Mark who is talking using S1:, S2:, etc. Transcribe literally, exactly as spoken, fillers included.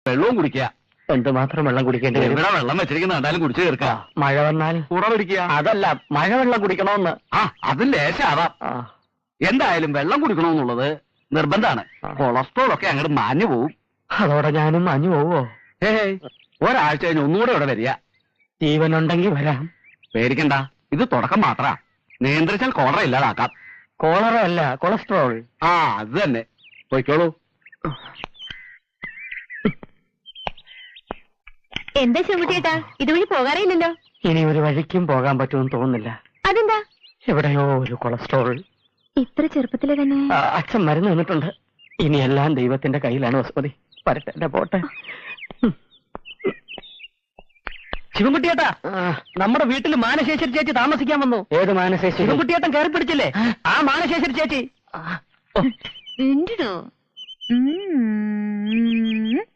S1: വെള്ളവും കുടിക്കുക.
S2: എന്തുമാത്രം വെള്ളം കുടിക്കേണ്ടി വരും?
S1: ഇവിടെ വെള്ളം വെച്ചിരിക്കുന്ന കണ്ടാലും കുടിച്ചു തീർക്കുക.
S2: മഴ വന്നാൽ
S1: കൂറ പിടിക്കുക.
S2: അതല്ല, മഴവെള്ളം കുടിക്കണമെന്ന്.
S1: ആ അത് ലേശാവാം. എന്തായാലും വെള്ളം കുടിക്കണമെന്നുള്ളത് നിർബന്ധമാണ്. കൊളസ്ട്രോൾ ഒക്കെ അങ്ങോട്ട് മാഞ്ഞു പോവും.
S2: അതോടെ ഞാനും മാഞ്ഞു പോവോ?
S1: ഏയ് ഒരാഴ്ച കഴിഞ്ഞ് ഒന്നുകൂടെ ഇവിടെ വരിക.
S2: ജീവനുണ്ടെങ്കിൽ വരാം.
S1: പേടിക്കണ്ട, ഇത് തുടക്കം മാത്രാ. നിയന്ത്രിച്ചാൽ കോളറ ഇല്ലാതാക്കാം.
S2: കോളറ അല്ല, കൊളസ്ട്രോൾ.
S1: ആ അത് തന്നെ. പോയിക്കോളൂ.
S3: എന്താ ചെമ്പുട്ടിയേട്ടാ, ഇതുവഴി പോകാറില്ലല്ലോ?
S2: ഇനി ഒരു വഴിക്കും പോകാൻ പറ്റുമെന്ന് തോന്നുന്നില്ല.
S3: അതെന്താ?
S2: എവിടെയോ ഒരു കൊളസ്ട്രോൾ.
S3: ഇത്ര ചെറുപ്പത്തിലെ തന്നെ
S2: അച്ഛൻ മരുന്ന് തന്നിട്ടുണ്ട്. ഇനി എല്ലാം ദൈവത്തിന്റെ കയ്യിലാണ് വസുമതി. പരട്ടെ, എന്റെ പോട്ടെ.
S4: ശിവൻകുട്ടിയേട്ടാ, നമ്മുടെ വീട്ടിൽ മാനശേശ്വരി ചേച്ചി താമസിക്കാൻ വന്നു.
S2: ഏത് മാനശേശ്വരി?
S4: ശിവൻകുട്ടിയേട്ടൻ കയറി പിടിച്ചില്ലേ, ആ മാനശേശ്വരി ചേച്ചി.
S3: ഉണ്ടോ?